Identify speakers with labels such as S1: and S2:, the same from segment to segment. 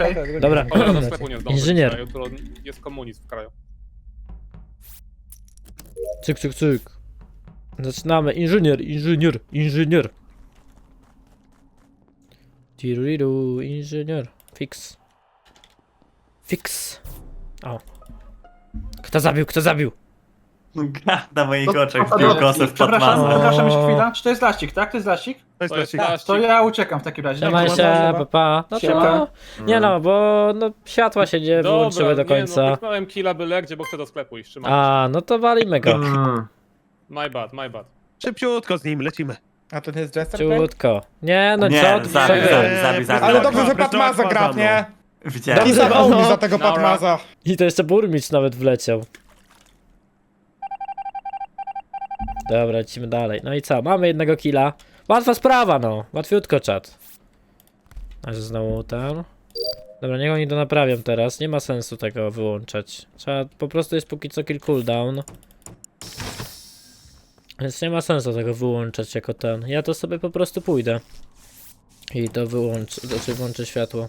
S1: Okej.
S2: Dobra.
S3: O, do sklepu nie zdążę.
S2: Inżynier.
S3: Jutro jest komunizm w kraju.
S2: Cyk, cyk, cyk. Zaczynamy. Inżynier. Tiriru, inżynier. Fix. O. Kto zabił?
S4: Na moich oczach
S1: To-
S4: wbił kosę w
S1: Przepraszam,
S4: Batmana.
S1: przepraszam jeszcze chwila. Czy to jest laścik, tak? To jest laścik?
S3: To jest
S1: To ja uciekam w takim razie.
S2: Trzymaj się, papa. No
S1: Siema.
S2: to... Nie no, bo no, światła się nie wyłączyły do końca.
S3: Nie, no, pyknąłem killa byle gdzie, bo chcę do sklepu iść. Trzymaj.
S2: A, no to walimy go.
S3: My bad.
S5: Szybciutko z nim, lecimy.
S6: A to nie jest Jester? Play?
S2: Ciutko. Nie, no
S4: Nie,
S2: co ty
S4: zabił,
S2: sobie?
S4: zabił.
S6: Ale dobrze, że
S5: Dobra,
S6: Patmaza
S5: dobra,
S6: gra, nie?
S4: Widziałem.
S6: I zawał mi za tego
S3: Dobra.
S6: Patmaza.
S2: I to jeszcze burmistrz nawet wleciał. Dobra, lecimy dalej. No i co? Mamy jednego killa. Łatwa sprawa, no. Łatwiutko, czat. Aż znowu tam. Dobra, niech oni to naprawią teraz. Nie ma sensu tego wyłączać. Trzeba, po prostu jest póki co kill cooldown. Więc nie ma sensu tego wyłączać jako ten. Ja to sobie po prostu pójdę. I to wyłączę, znaczy włączę światło.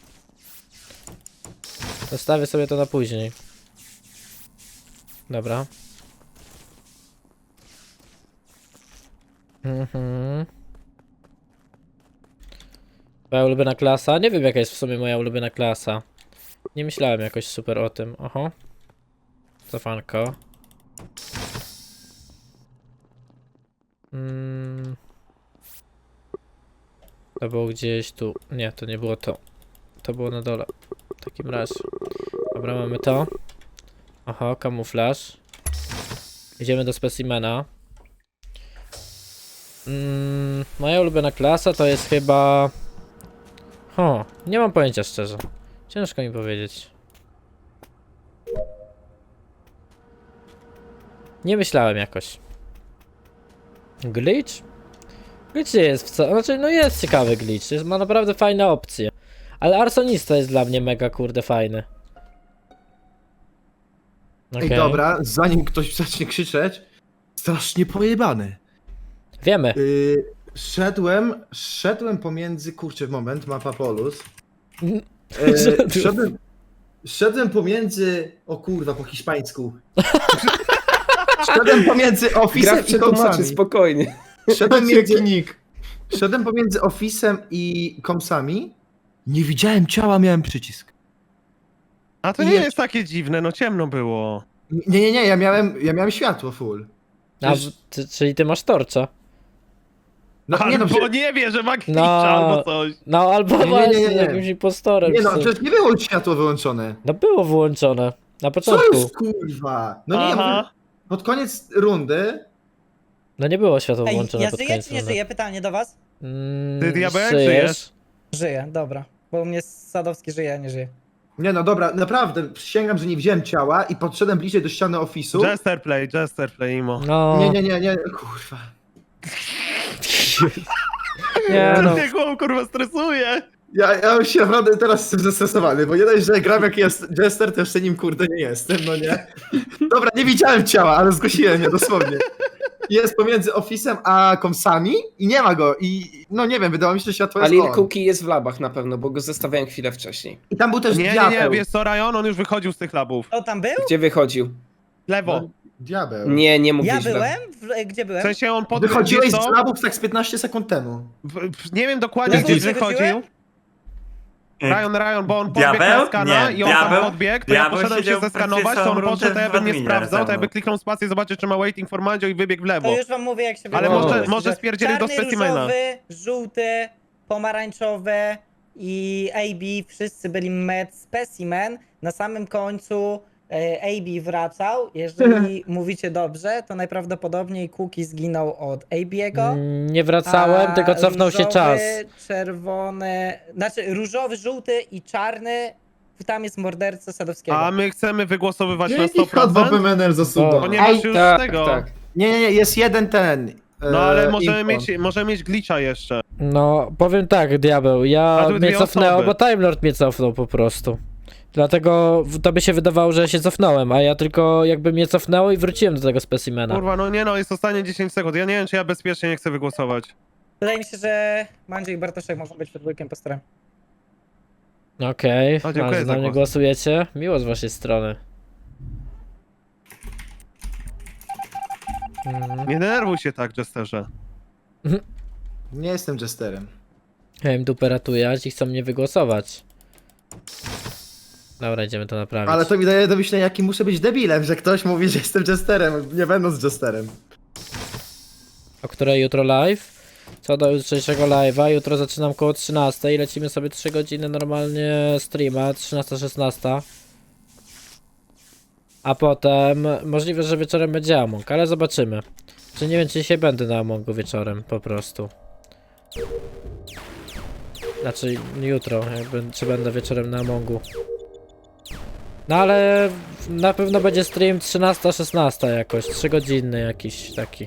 S2: Zostawię sobie to na później. Dobra. Moja ulubiona klasa? Nie wiem jaka jest w sumie moja ulubiona klasa. Nie myślałem jakoś super o tym. Oho. Cofanko. To było gdzieś tu. Nie, to nie było to. To było na dole. W takim razie. Dobra, mamy to. Oho, kamuflaż. Idziemy do specimena. Moja ulubiona klasa to jest chyba... nie mam pojęcia szczerze. Ciężko mi powiedzieć. Nie myślałem jakoś. Glitch? Glitch nie jest wcale... Znaczy, no jest ciekawy glitch. Ma naprawdę fajne opcje. Ale arsonista jest dla mnie mega kurde fajny.
S7: Ej, dobra, zanim ktoś zacznie krzyczeć, strasznie pojebany.
S2: Wiemy.
S7: Szedłem pomiędzy, kurczę, moment, mapa Polus. Szedłem pomiędzy, o kurwa, po hiszpańsku. Szedłem pomiędzy Office'em i Komsami.
S8: Spokojnie.
S7: Szedłem pomiędzy Office'em i Komsami. Nie widziałem ciała, miałem przycisk.
S5: A to nie jest takie dziwne, no ciemno było.
S7: Nie, ja miałem światło full.
S2: A, czyli ty masz torcza.
S7: No,
S5: Albo nie wie, że ma glitcha
S2: No.
S5: albo coś.
S2: No albo
S7: Nie.
S2: właśnie jakimś impostorem.
S7: Nie no,
S2: w sumie.
S7: przecież nie było światło wyłączone.
S2: No było włączone. Na
S7: Co
S2: początku.
S7: już kurwa? No nie, ja
S5: Aha.
S7: mówię, pod koniec rundy.
S2: No nie było światła
S9: Ej,
S2: włączone
S9: ja
S2: pod
S9: żyję
S2: koniec
S9: czy nie
S2: rundy.
S9: żyję? Pytanie do was.
S5: Ty, diabeł, żyjesz?
S9: Żyję, dobra. Bo u mnie Sadowski żyje, a nie żyje.
S7: Nie no dobra, naprawdę, przysięgam, że nie widziałem ciała i podszedłem bliżej do ściany Office'u.
S5: Jester play, imo.
S2: No.
S7: Nie, kurwa.
S2: Nie no.
S5: Mnie głową kurwa stresuje.
S7: Ja już się naprawdę teraz jestem zestresowany, bo nie dość, że gram jak jest Jester, to jeszcze nim kurde nie jestem, no nie? Dobra, nie widziałem ciała, ale zgłosiłem je dosłownie. Jest pomiędzy Office'em a Komsami i nie ma go i no nie wiem, wydawało mi się, że światło jest
S8: Alil
S7: on.
S8: Cookie jest w labach na pewno, bo go zostawiałem chwilę wcześniej.
S7: I tam był też
S5: Nie,
S7: diabeł.
S5: wiesz co, Ryan, on już wychodził z tych labów.
S9: Kto tam był?
S8: Gdzie wychodził?
S5: Lewo.
S7: No, diabeł.
S8: Nie mógł
S9: Ja
S8: być w labach.
S9: byłem? Gdzie
S5: W
S9: byłem?
S5: sensie on podbiegł,
S7: Wychodziłeś
S5: wiesz
S7: z
S5: co?
S7: labów tak z 15 sekund temu.
S5: Nie wiem dokładnie,
S9: Lewo
S5: gdzie
S9: wychodziłem?
S5: wychodził. Ryan, bo on podbiegł
S4: Diabeł?
S5: na skana
S4: Nie,
S5: i on tam
S4: diabeł?
S5: podbiegł, to ja
S4: Diabeł
S5: poszedłem się
S4: siedział
S5: zeskanować,
S4: praktycznie
S5: to on
S4: całą
S5: poszedł, to ja
S4: rundę
S5: bym nie
S4: w adminie
S5: sprawdzał, to ja
S4: razem.
S5: by kliknął spację, zobaczył czy ma waiting for Mandzio i wybiegł w lewo.
S9: To już wam mówię jak się
S5: Ale
S9: wygląda.
S5: może spierdzieli do
S9: Czarny,
S5: specimena.
S9: różowy, żółty, pomarańczowy i AB, wszyscy byli med specimen. Na samym końcu AB wracał. Jeżeli mówicie dobrze, to najprawdopodobniej Cookie zginął od AB'ego.
S2: Nie wracałem, tylko cofnął się
S9: różowy,
S2: czas.
S9: Czerwony, znaczy różowy, żółty i czarny. Tam jest morderca Sadowskiego.
S5: A my chcemy wygłosowywać na
S7: Jaki H2
S5: 100%?
S7: PMNR zasuwa?
S5: Ponieważ już
S8: Tak,
S5: tego...
S8: tak.
S7: Nie, jest jeden ten.
S5: No ale
S7: info.
S5: możemy mieć glitcha jeszcze.
S2: No, powiem tak, diabeł, ja
S5: były
S2: mnie
S5: dwie
S2: cofnęło,
S5: osoby.
S2: bo Time Lord mnie cofnął po prostu. Dlatego to by się wydawało, że ja się cofnąłem, a ja tylko jakby mnie cofnęło i wróciłem do tego specimena.
S5: Kurwa, no nie no, jest ostatnie 10 sekund. Ja nie wiem, czy ja bezpiecznie nie chcę wygłosować.
S9: Wydaje mi się, że Mandzio i Bartoszek mogą być przed dwójkiem postorem.
S2: Okej,
S5: O, dziękuję
S2: ale
S5: za
S2: na mnie
S5: głos.
S2: głosujecie? Miło z waszej strony.
S5: Nie denerwuj się tak, Jesterze.
S7: Nie jestem jesterem.
S2: Ja im dupę ratujać i chcą mnie wygłosować. Dobra, idziemy to naprawić.
S7: Ale to mi daje do myślenia, jaki muszę być debilem, że ktoś mówi, że jestem jesterem, nie będąc jesterem.
S2: O której jutro live? Co do jutrzejszego live'a, jutro zaczynam koło 13 i lecimy sobie 3 godziny normalnie streama, 13-16. A potem możliwe, że wieczorem będzie Among, ale zobaczymy. Czy nie wiem, czy dzisiaj będę na Amongu wieczorem, po prostu. Znaczy jutro, czy będę wieczorem na Amongu. No ale na pewno będzie stream 13-16 jakoś, 3 godziny jakiś taki.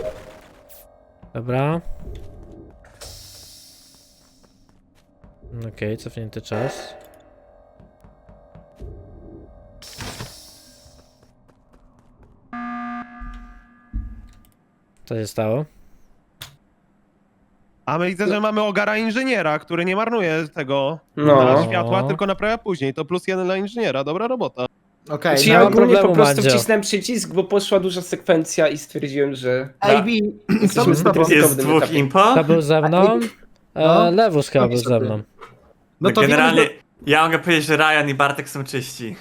S2: Dobra. Okej, cofnięty czas. Co się stało?
S5: A my widzę, że mamy ogara inżyniera, który nie marnuje tego
S8: No.
S5: światła, tylko naprawia później. To +1 dla inżyniera, dobra robota.
S7: Okej,
S8: Czy
S2: nie
S8: ja
S2: mam
S8: ogólnie
S2: problemu,
S8: po prostu
S2: Mandzio.
S8: wcisnąłem przycisk, bo poszła duża sekwencja i stwierdziłem, że...
S7: AB, kto był z tobą?
S4: Jest dwóch impo?
S2: Kto był ze mną?
S7: No.
S2: Lewus chyba był
S7: Napisz
S2: ze
S7: sobie.
S2: mną.
S7: No to
S4: generalnie,
S7: wiemy,
S4: ja mogę powiedzieć, że Ryan i Bartek są czyści.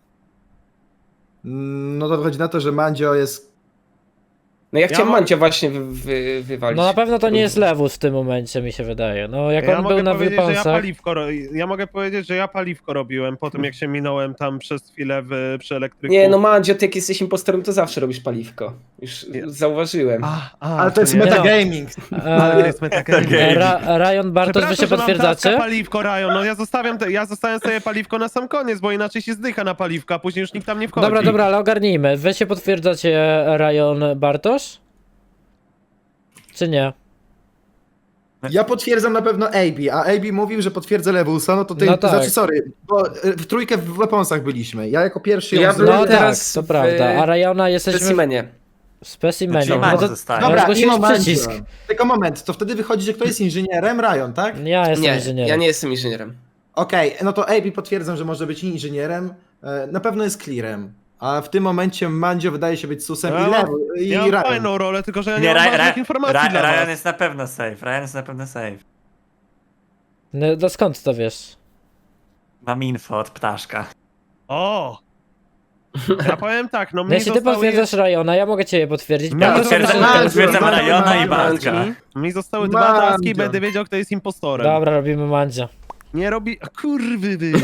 S7: no to wychodzi na to, że Mandzio jest...
S8: No ja chciałem
S5: Ja mo-
S8: Mandzia właśnie wywalić.
S2: No na pewno to nie jest Lewus w tym momencie, mi się wydaje. No jak
S5: Ja
S2: on
S5: mogę
S2: był na
S5: powiedzieć, że
S2: wyponsach...
S5: ja mogę powiedzieć, że ja paliwko robiłem po tym, jak się minąłem tam przez chwilę przy elektryku.
S8: Nie, no Mandzio, ty jak jesteś impostorem, to zawsze robisz paliwko. Już zauważyłem.
S7: Ale to jest
S5: nie.
S7: metagaming.
S5: Ale nie jest metagaming.
S2: Ryan Bartosz, wy się
S5: Przepraszam, że mam taska
S2: potwierdzacie?
S5: paliwko, Ryan. No ja zostawiam sobie paliwko na sam koniec, bo inaczej się zdycha na paliwko, a później już nikt tam nie wchodzi.
S2: Dobra, ale ogarnijmy. Wy się potwierdzacie Ryan Bartosz? Czy nie?
S7: Ja potwierdzam na pewno AB, a AB mówił, że potwierdza Lewusa, no to ty,
S2: No tak.
S7: znaczy sorry, bo w trójkę w weaponsach byliśmy. Ja jako pierwszy ją
S8: Ja
S7: zrobiłem.
S2: No
S8: byłem
S2: tak,
S8: teraz
S2: to
S8: w-
S2: prawda. A Ryana
S8: W
S2: jesteśmy
S8: specimenie.
S2: w specimenie.
S4: Czyli
S2: No
S4: Mandzio
S2: to
S4: zostaje.
S7: Dobra, i
S2: zgłosiłeś
S7: momencie.
S2: przycisk.
S7: Tylko moment, to wtedy wychodzi, że kto jest inżynierem? Ryan, tak?
S2: Ja jestem
S8: Nie,
S2: inżynierem.
S8: ja nie jestem inżynierem.
S7: Okej, no to AB potwierdzam, że może być inżynierem, na pewno jest clearem. A w tym momencie Mandzio wydaje się być susem
S5: Ja
S7: i
S5: mam-
S7: Lewu, i
S5: Ja mam
S7: Ryan.
S5: fajną rolę, tylko że ja nie,
S4: Nie,
S5: mam ważnych informacji dla
S4: Ryan
S5: was.
S4: jest na pewno safe, Ryan jest na pewno safe.
S2: No to skąd to wiesz?
S4: Mam info od ptaszka.
S5: O! Ja powiem tak, no
S2: No
S5: mnie
S2: jeśli ty
S5: zostały,
S2: potwierdzasz Ryana, ja mogę ciebie potwierdzić.
S5: Ja
S4: Ja
S2: Bartosz
S4: potwierdzam,
S2: potwierdza-
S7: Mandzio,
S4: potwierdzam
S7: Mandzio,
S4: Ryana i
S7: Mandzio.
S4: Bartka.
S5: mi zostały 2
S7: Mandzio.
S5: taski, będę wiedział, kto jest impostorem.
S2: Dobra, robimy Mandzia.
S5: Nie robi... Kurwy wy!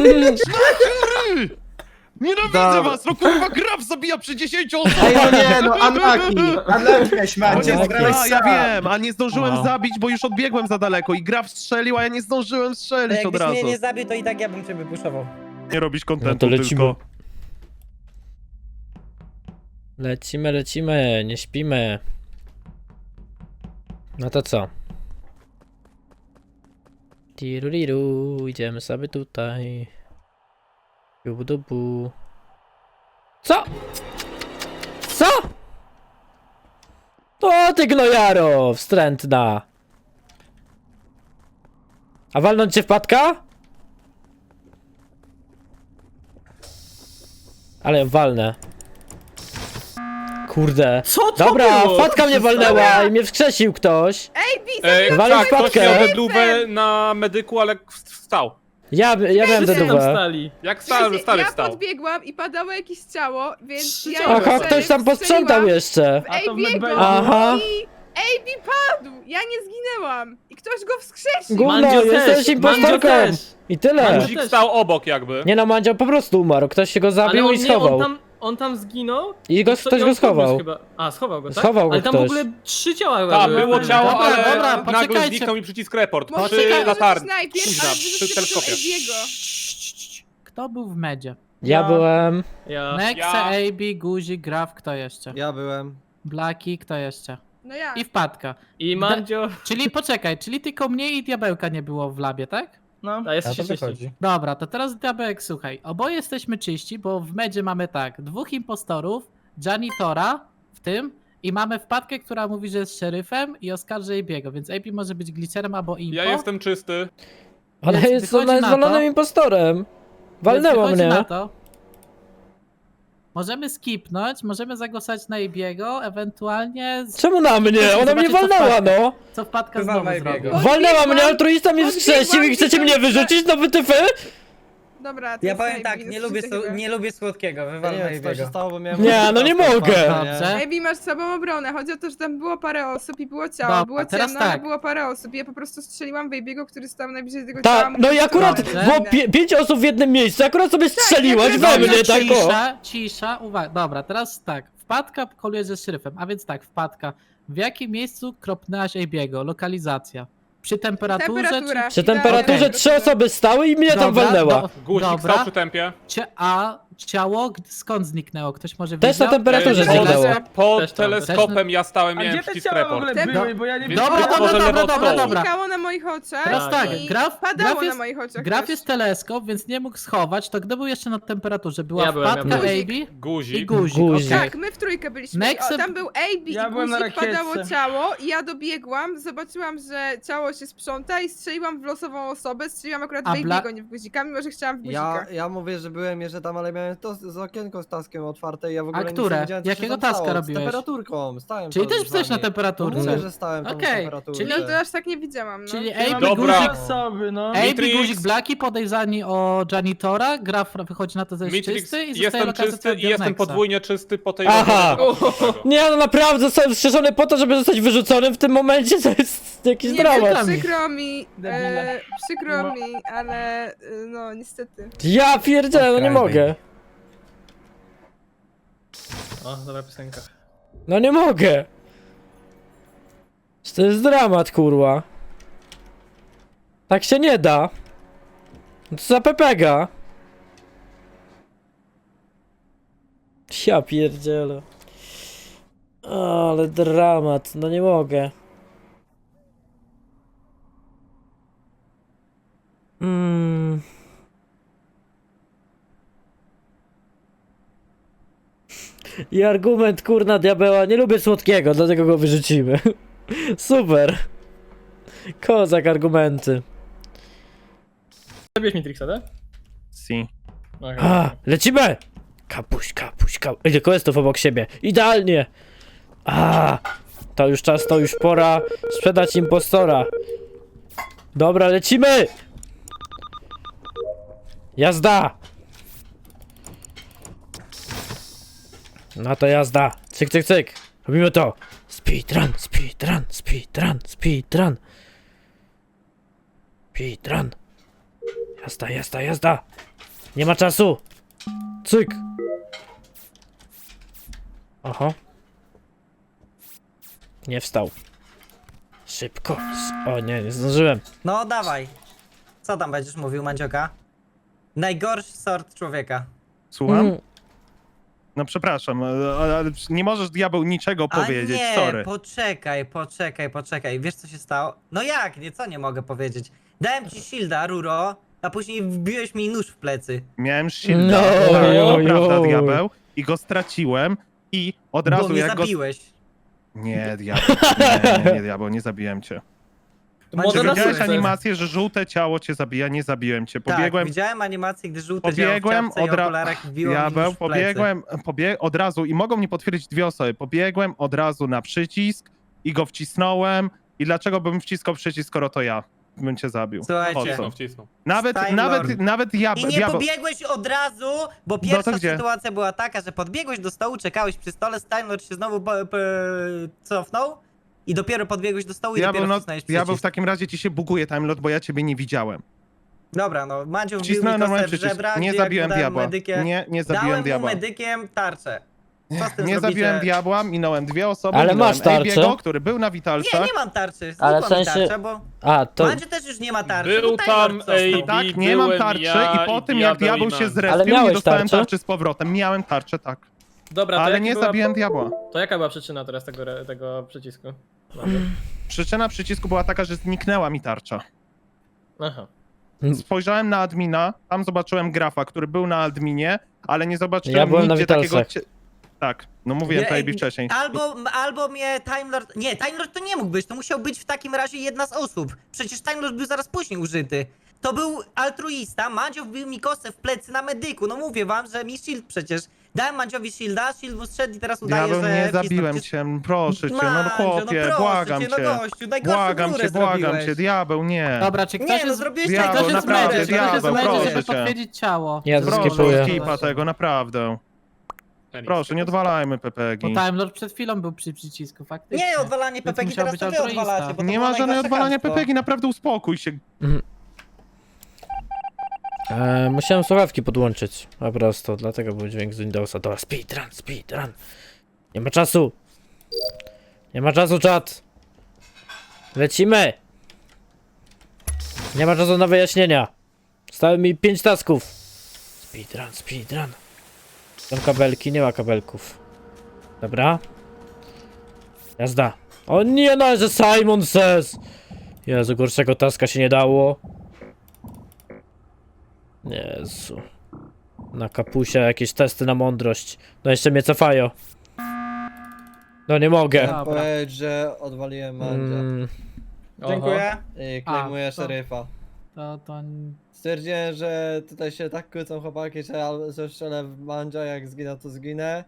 S5: Nienawidzę
S7: Dobra.
S5: was! No kurwa, Graf zabija przy 10 osobach!
S7: Ej, no nie, no unlucky miałeś Mandzio,
S2: Unlucky.
S7: zgrałeś
S5: Ja
S7: sam.
S5: wiem, a nie zdążyłem zabić, bo już odbiegłem za daleko i Graf strzelił, a ja nie zdążyłem
S9: To
S5: strzelić od
S9: jakbyś
S5: razu.
S9: mnie nie zabił, to i tak ja bym cię wypuszował.
S5: Nie robisz
S2: No
S5: kontentu
S2: to lecimy.
S5: tylko.
S2: Lecimy, nie śpimy. No to co? Tiruriru, idziemy sobie tutaj. Jubudubu. Co? Co? O ty gnojaro, wstrętna. A walnąć cię wpadka? Ale ją walnę. Kurde.
S1: Co to
S2: Dobra,
S1: było?
S2: wpadka mnie walnęła i mnie wskrzesił ktoś. Walił
S3: Tak, ktoś
S2: wpadkę.
S3: miał dedłubę na medyku, ale wstał.
S2: Ja miałem dedówę.
S3: Jak stary
S10: Ja
S3: wstał.
S10: podbiegłam i padało jakieś ciało, więc ja
S2: Aha,
S10: jeszcze
S2: ktoś tam posprzątał jeszcze.
S10: w AB'ego
S2: Aha.
S10: i AB padł! Ja nie zginęłam! I ktoś go wskrzesił!
S2: Gówno, jesteś impostorką. I tyle.
S3: Guzik stał obok jakby.
S2: Nie no, Mandzio po prostu umarł. Ktoś się go zabił i schował.
S11: On tam zginął?
S2: I ktoś go schował.
S11: Chyba. A, schował go, tak?
S2: Schował go
S11: Ale tam
S2: ktoś.
S11: w ogóle 3 ciała chyba
S3: Tak,
S11: były.
S3: było ciało,
S11: Dobra,
S3: ale
S11: dobra,
S3: nagle
S11: poczekajcie.
S3: zniknął mi przycisk report
S10: Może
S3: przy
S10: to
S3: latarni.
S10: najpierw,
S3: Kuźna,
S10: ale
S3: przy
S10: wyrzucił
S3: teleskopie.
S10: AB'ego.
S1: Kto był w medzie?
S2: Ja byłem.
S11: Ja.
S1: Nexe,
S3: Ja.
S1: AB, Guzik, Graf, kto jeszcze?
S6: Ja byłem.
S1: Blaki, kto jeszcze?
S10: No ja.
S1: I wpadka.
S11: I Mandzio...
S1: Czyli poczekaj, czyli tylko mnie i diabełka nie było w labie, tak?
S11: No, a jest się czyści.
S1: Dobra, to teraz diabełek, słuchaj. Oboje jesteśmy czyści, bo w medzie mamy tak, 2 impostorów, Janitora w tym i mamy wpadkę, która mówi, że jest szeryfem i oskarży AB'ego, więc AB może być glitcherem albo impo.
S3: Ja jestem czysty.
S2: Ona
S1: Więc
S2: jest
S1: wychodzi na to-
S2: zwalonym impostorem. Walnęła
S1: Więc wychodzi
S2: mnie.
S1: na to, możemy skipnąć, możemy zagłosować na Ibiego, ewentualnie
S2: Czemu na mnie? Ona mnie
S1: Zobaczcie, co
S2: walnęła,
S1: wpadnie.
S2: no!
S1: co wpadka
S9: Wywal
S1: znowu
S9: na
S1: zrobi.
S9: Ibiego.
S2: Walnęła mnie, altruista mnie
S10: Podbiegłam
S2: wskrzesił i chcecie
S10: i
S2: mnie
S10: tam-
S2: wyrzucić? No wytyfy?
S10: Dobra, to
S9: Ja
S10: jest
S9: powiem
S10: AB,
S9: tak,
S10: no
S9: nie
S10: słyszycie chyba.
S9: nie lubię słodkiego, wywal na jego.
S11: stało, bo miałem...
S2: Nie, no nie mogę.
S1: Dobrze.
S10: AB, masz słabą obronę. Chodzi o to, że tam było parę osób i było ciało.
S1: Dobra,
S10: było
S1: teraz
S10: ciemno, ale
S1: tak.
S10: było parę osób. I ja po prostu strzeliłam w AB'ego, który stał najbliżej tego ciała.
S2: Tak, no i
S10: mówiąc, że
S2: akurat
S10: to
S1: Dobrze.
S2: było
S10: inne.
S2: 5 osób w jednym miejscu, akurat sobie strzeliłaś
S10: ja
S2: we
S10: też
S2: mnie, tak o.
S1: Cisza, uwaga. Dobra, teraz tak. Wpadka koluje ze szeryfem, a więc tak, wpadka. W jakim miejscu kropnęłaś AB'ego? Lokalizacja. Przy temperaturze
S10: Temperatura.
S2: Przy
S10: Idealnie.
S2: temperaturze 3 osoby stały i mnie tam
S1: Dobra,
S2: walnęła.
S3: Guzik
S1: Dobra.
S3: stał przy tempie.
S1: A ciało skąd zniknęło? Ktoś może
S2: Też na
S1: widział?
S2: temperaturze
S10: Ej,
S2: zniknęło.
S10: teleskop.
S3: Pod
S11: Też tam.
S3: teleskopem ja stałem,
S11: A
S3: miałem
S11: gdzie te
S3: przycisk
S11: ciała w ogóle
S3: report.
S11: były, bo ja nie
S3: Więc
S1: Dobra,
S3: być
S1: dobra,
S3: może
S1: dobra,
S3: lewo od
S1: dobra,
S3: stołu.
S1: dobra.
S10: Znikało na moich oczach.
S1: Teraz tak,
S10: i
S1: graf
S10: padało
S1: jest,
S10: na moich oczach.
S1: graf
S10: też.
S1: jest teleskop, więc nie mógł schować, to gdy był jeszcze na temperaturze? Była
S11: Ja byłem,
S1: wpadka
S11: ja
S10: byłem.
S1: AB i
S3: Guzik.
S1: guzik.
S2: Guzik.
S1: okej.
S10: Tak, my w trójkę byliśmy.
S1: Nexe-
S10: O, tam był AB
S11: Ja
S10: i
S11: byłem na
S10: guzik, padało
S11: rakietce.
S10: ciało i ja dobiegłam, zobaczyłam, że ciało się sprząta i strzeliłam w losową osobę. Strzeliłam akurat w
S1: A Bla-
S10: AB'ego, nie w guzika, mimo że chciałam w guzika.
S6: Ja mówię, że byłem jeszcze tam, ale miałem to z okienko z taskiem otwarte i ja w ogóle nic
S1: które?
S6: nie wiedziałem, co
S1: Jakiego
S6: się tam
S1: taska
S6: stało.
S1: robiłeś?
S6: Z temperaturką, stałem
S1: Czyli
S6: tam
S1: też
S6: z
S1: jesteś na
S6: wami. No
S1: temperaturze.
S6: mówię, że stałem tam
S1: Okej,
S6: na temperaturze.
S1: czyli-
S10: No to aż tak nie widziałam, no.
S1: Czyli
S11: Ja
S1: AB,
S11: mam
S3: Dobra.
S1: guzik,
S11: osoby, no.
S1: AB,
S3: Mitrix.
S1: guzik, Blaki podejrzani o janitora, graf wychodzi na to, że jest
S3: Matrix,
S1: czysty i zostaje
S3: jestem
S1: lokacja
S3: czysty i jestem
S1: Nexa.
S3: podwójnie czysty po tej
S2: Aha.
S3: rozmowie.
S2: Nie, no naprawdę zostałem strzeżony po to, żeby zostać wyrzuconym w tym momencie, to jest jakiś
S10: Nie
S2: dramat.
S10: wiem, przykro mi, ale no niestety.
S2: Ja pierdzielę, no nie mogę.
S11: O, dobra piosenka.
S2: No nie mogę. To jest dramat, kurwa. Tak się nie da. No co za pepega. Ja pierdzielę. Ale dramat, no nie mogę. I argument, kurna diabeła, nie lubię słodkiego, dlatego go wyrzucimy. Super. Kozak argumenty.
S11: Zabiłeś Matrixa, tak?
S5: Si.
S11: Okej.
S2: A, lecimy! Kapuś, kapuś, kapuś. Ile questów obok siebie. Idealnie! A, to już czas, to już pora sprzedać impostora. Dobra, lecimy! Jazda! No to jazda. Cyk, cyk, cyk. Robimy to. Speedrun, speedrun, speedrun, speedrun. Speedrun. Jazda, jazda, jazda. Nie ma czasu. Cyk. Oho. Nie wstał. Szybko. O nie, nie zdążyłem.
S9: No dawaj. Co tam będziesz mówił, Mandzioka? Najgorszy sort człowieka.
S5: Słucham?
S2: Mm.
S5: No przepraszam, ale nie możesz diabeł niczego powiedzieć,
S9: A nie,
S5: sorry.
S9: poczekaj. Wiesz co się stało? No jak, nie, co nie mogę powiedzieć? Dałem ci shielda, Ruro, a później wbiłeś mi nóż w plecy.
S5: Miałem shielda,
S2: No,
S5: tak, to
S2: jo,
S5: prawda,
S2: jo.
S5: diabeł, i go straciłem i od razu
S9: Bo mnie
S5: jak go...
S9: zabiłeś.
S5: Nie, diabeł, nie, diabeł, nie zabiłem cię. Czy
S9: Mandzio,
S11: Może na
S5: widziałeś
S11: sukces.
S5: animację, że żółte ciało cię zabija? Nie zabiłem cię.
S9: Tak,
S5: Pobiegłem,
S9: widziałem animację, gdy żółte działo w
S5: pobiegłem
S9: czapce i okularach wbiło mi
S5: diabeł,
S9: nóż w plecy.
S5: pobiegłem od razu i mogą mi potwierdzić dwie osoby. Pobiegłem od razu na przycisk i go wcisnąłem. I dlaczego bym wciskał przycisk, skoro to ja bym cię zabił?
S9: Słuchajcie.
S5: Po co?
S3: Wcisnął, wcisnął.
S5: Nawet
S9: I nie pobiegłeś od razu, bo pierwsza
S5: to gdzie?
S9: sytuacja była taka, że podbiegłeś do stołu, czekałeś przy stole, Steinlord się znowu cofnął i dopiero podbiegłeś do stołu i
S5: Diabeł,
S9: dopiero
S5: no,
S9: wcisnąłeś
S5: diabeł,
S9: przycisk.
S5: w takim razie ci się buguje timelot, bo ja ciebie nie widziałem.
S9: Dobra, no, Mandziu wbił mi
S5: Wcisnąłem
S9: kostę
S5: normalny
S9: w
S5: przycisk.
S9: żebra,
S5: Nie
S9: gdzie jak
S5: zabiłem
S9: mu dałem
S5: diabła.
S9: medykiem,
S5: Nie zabiłem
S9: dałem mu
S5: diabła.
S9: medykiem tarczę. Co z tym
S5: Nie
S9: zrobicie?
S5: zabiłem diabła, minąłem dwie osoby,
S2: Ale
S5: minąłem
S2: masz tarczę?
S5: AB'ego, który był na witalcach.
S9: Nie mam tarczy,
S2: Ale
S9: znikła
S2: w
S9: mi
S2: sensie-
S9: tarcza, bo
S2: A, to...
S9: Mandziu też już nie ma tarczy,
S3: Był
S9: bo Taylor
S3: tam
S9: cofnął.
S3: AB.
S5: Tak, nie mam
S3: byłem
S5: tarczy
S3: ja
S5: i po
S3: i
S5: tym jak
S3: diabeł
S5: diabeł
S3: i
S5: się
S3: Mandzio.
S2: Ale
S5: zrespił, nie
S2: miałeś
S5: dostałem
S2: tarczę?
S5: tarczy z powrotem. Miałem tarczę, tak.
S11: Dobra, to
S5: Ale
S11: jaki
S5: nie
S11: była...
S5: zabiłem diabła.
S11: To jaka była przyczyna teraz tego przycisku? Dobra.
S5: Przyczyna przycisku była taka, że zniknęła mi tarcza.
S11: Aha.
S5: Spojrzałem na admina, tam zobaczyłem grafa, który był na adminie, ale nie zobaczyłem
S2: Ja byłem na
S5: nigdzie takiego...
S2: witalcach.
S5: Tak, no mówiłem to
S9: Nie,
S5: AB wcześniej.
S9: Albo mnie Time Lord... Nie, Time Lord to nie mógł być, to musiał być w takim razie jedna z osób. Przecież Time Lord był zaraz później użyty. To był altruista, Mandzio wbił mi kosę w plecy na medyku. No mówię wam, że mi shield przecież. Dałem Mandziowi shielda, shield mu strzedł i teraz udaje,
S5: Diabeł,
S9: że...
S5: nie
S9: wcisnął.
S5: zabiłem
S9: Przecież-
S5: cię, proszę cię, no
S9: Mandzio,
S5: chłopie,
S9: proszę
S5: błagam
S9: cię,
S5: cię.
S9: no gościu, najgorszą
S5: Błagam
S9: górę
S5: cię, błagam
S9: zrobiłeś.
S5: cię, diabeł, nie.
S1: Dobra, czy ktoś
S9: Nie, no
S1: jest...
S9: zrobiłeś
S5: Diabeł,
S1: Ktoś jest
S9: najgorszą
S5: naprawdę,
S1: medzie,
S9: górę.
S1: ktoś jest
S5: diabeł,
S1: medzie,
S5: proszę
S1: żeby
S5: cię.
S1: potwierdzić ciało.
S2: Ja
S5: Proszę,
S2: zeskipuję.
S5: skipa tego, naprawdę. Proszę, nie odwalajmy
S1: Bo
S5: Pepegi.
S1: Time Lord przed chwilą był przy przycisku, faktycznie.
S9: Nie, odwalanie
S1: Więc
S9: Pepegi,
S1: musiał
S9: teraz
S1: być
S9: to wy
S1: altruista.
S9: odwalacie, bo to
S5: Nie
S9: było
S5: ma żadnego
S9: najgorsze
S5: odwalania
S9: chamstwo.
S5: Pepegi, naprawdę uspokój się.
S2: Musiałem słuchawki podłączyć. Po prostu, dlatego był dźwięk z Windowsa. Dobra, speedrun. Nie ma czasu. Nie ma czasu, czat. Lecimy. Nie ma czasu na wyjaśnienia. Zostały mi 5 tasków. Speedrun. Są kabelki, nie ma kabelków. Dobra. Jazda. O nie, no, że Simon says. Jezu, gorszego taska się nie dało. Jezu. Na kapusie jakieś testy na mądrość. No jeszcze mnie cofają. No nie mogę.
S1: Dobra.
S6: Powiedz, że odwaliłem Mandzia.
S9: Dziękuję.
S6: I klejmuję
S1: A, to-
S6: szeryfa.
S1: To...
S6: Stwierdziłem, że tutaj się tak kłócą chłopaki, że strzelę w Mandzia, jak zginę to zginę.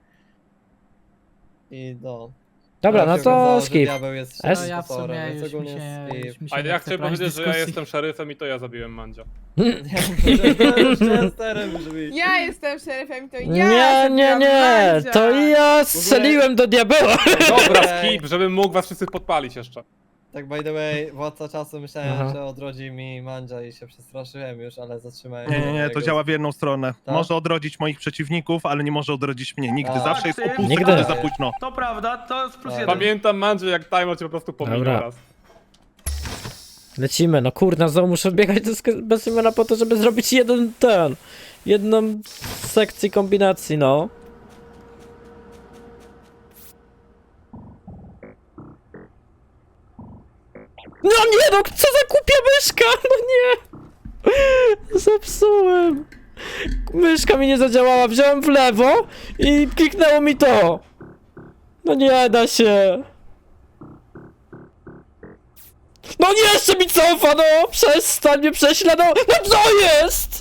S6: I no.
S2: Dobra,
S6: Ale
S2: no
S6: się
S2: to
S6: okazało, że
S2: skip.
S6: diabeł jest
S2: S?
S1: No ja w
S6: impostorem,
S1: sumie
S6: więc
S1: już mi
S6: ogólnie
S1: się...
S6: skip.
S1: Już mi się
S3: A
S1: nie
S3: ja
S1: chce
S3: chcę
S1: prowadzić
S3: powiedzieć, że ja
S1: dyskusji.
S3: jestem szeryfem i to ja zabiłem Mandzia.
S6: Chesterem brzmi.
S10: Ja jestem szeryfem, to ja
S2: Nie,
S10: zabiłam Mandzia.
S2: to ja strzeliłem do diabeła.
S3: Dobra,
S6: Ej.
S3: skip, żebym mógł was wszyscy podpalić jeszcze.
S6: Tak by the way, władca czasu myślałem,
S2: Aha.
S6: że odrodzi mi Mandzia i się przestraszyłem już, ale zatrzymałem
S5: Nie,
S6: się.
S5: to
S6: Jego-
S5: działa w jedną stronę.
S6: Tak?
S5: Może odrodzić moich przeciwników, ale nie może odrodzić mnie. Nigdy.
S6: A.
S5: Zawsze jest o pół
S2: Nigdy.
S5: sekundy za późno.
S11: To prawda, to jest plus
S6: Tak.
S11: jeden.
S3: Pamiętam, Mandzio, jak timer cię po prostu pominął
S2: Dobra.
S3: raz.
S2: Lecimy, no kurna, znowu muszę biegać bez imiona po to, żeby zrobić jedną sekcję kombinacji, no. No nie, no co za głupia myszka, no nie. Zepsułem. Myszka mi nie zadziałała, wziąłem w lewo i kliknęło mi to. No nie da się. No nie, jeszcze mi cofa, no! Przestań mnie prześladować! No co jest?!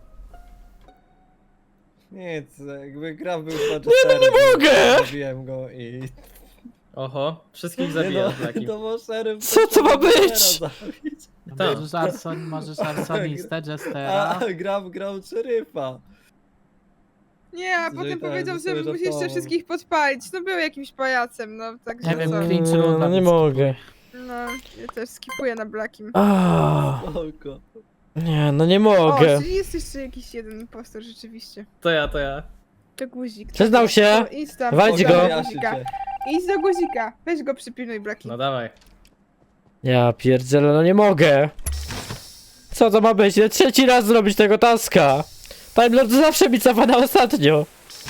S6: Nic, jakby graf był z
S2: nie mogę!
S6: Zabiłem go i...
S11: Oho, wszystkich
S6: Nie
S11: zabijasz taki.
S6: to był szeryf.
S2: Co to ma być?
S6: zabić.
S11: Tak.
S1: Możesz arsonistę, Jestera.
S6: A graf grał szeryfa.
S10: Nie, a
S6: Jeżeli
S10: potem
S6: tak,
S10: powiedział,
S6: to
S10: że
S6: sobie
S10: musisz jeszcze
S6: żartował.
S10: wszystkich podpalić. No był jakimś pajacem, no także
S1: Nie wiem,
S10: co?
S1: clinch runda,
S2: No nie
S1: więc
S2: mogę.
S10: No, ja też skipuję na Blackim.
S6: Spoko.
S2: Nie, no nie
S10: O,
S2: mogę.
S10: czyli jest jeszcze jakiś jeden impostor rzeczywiście.
S11: To ja.
S10: To guzik.
S2: Przyznał się.
S10: O, idź tam.
S2: Wejdź
S10: idź
S2: go.
S10: do
S6: Wyjaśnię
S10: guzika.
S6: cię.
S10: Idź do guzika. Weź go przypilnuj, Blacki.
S11: No dawaj.
S2: Ja pierdzielę, no nie mogę. Co to ma być? Ja trzeci raz zrobić tego taska. Time Lord zawsze mi cofa na ostatnio.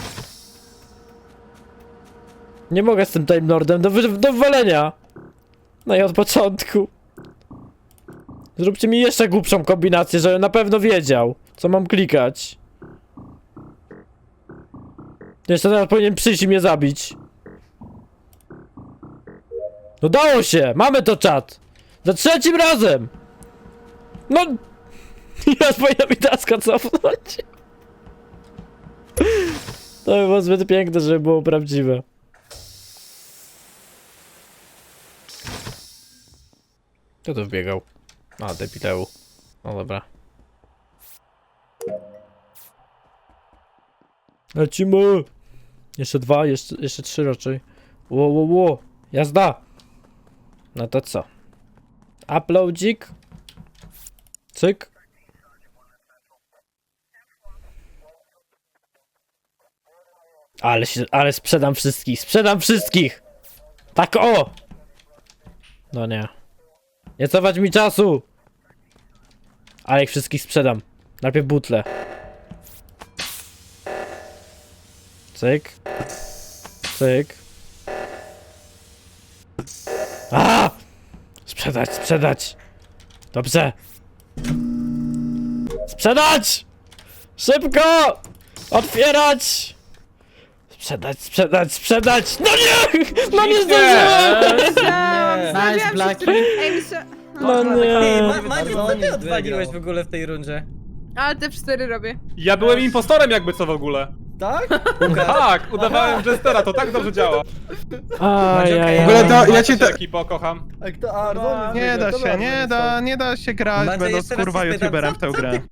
S2: Nie mogę z tym Time Lordem do wywalenia. No i od początku. Zróbcie mi jeszcze głupszą kombinację, żebym na pewno wiedział, co mam klikać. Jeszcze teraz powinien przyjść i mnie zabić. No dało się! Mamy to, czat! Za trzecim razem! No... Ja powinien mi taska cofnąć. To by było zbyt piękne, żeby było prawdziwe. Kto tu wbiegał? A, debileu. No dobra. Lecimy! Jeszcze dwa, jeszcze trzy raczej. Ło. Jazda! No to co? Uploadzik. Cyk. Ale sprzedam wszystkich! Tak o! No nie. Nie cofać mi czasu! Ale ich wszystkich sprzedam. Najpierw butle. Cyk. Cyk. A! Sprzedać! Dobrze! Sprzedać! Szybko! Otwierać! Sprzedać! No nie! No nie zdążyłem!
S10: Myślałam,
S1: Nice,
S10: zastanawiałam się,
S1: Blackie.
S10: który... Ej,
S2: No nie.
S9: Mandzio, co ty odwaliłeś w ogóle w tej rundzie?
S10: Ale te 4 robię.
S3: Ja byłem impostorem jakby co w ogóle.
S6: Tak?
S3: Tak, udawałem Jestera, to tak dobrze działa.
S2: Ajajaj.
S5: W ogóle to ja cię
S3: Cię ekipo, kocham.
S6: A kto? A, Ardon jest
S5: Nie
S6: wygrał,
S5: da
S6: dobra,
S5: się,
S6: Ardon jest to.
S5: nie da się grać
S9: Mandzio,
S5: będąc
S9: jeszcze raz
S5: kurwa
S9: ci spytam,
S5: youtuberem w
S9: co
S5: tę
S9: ty
S5: grę.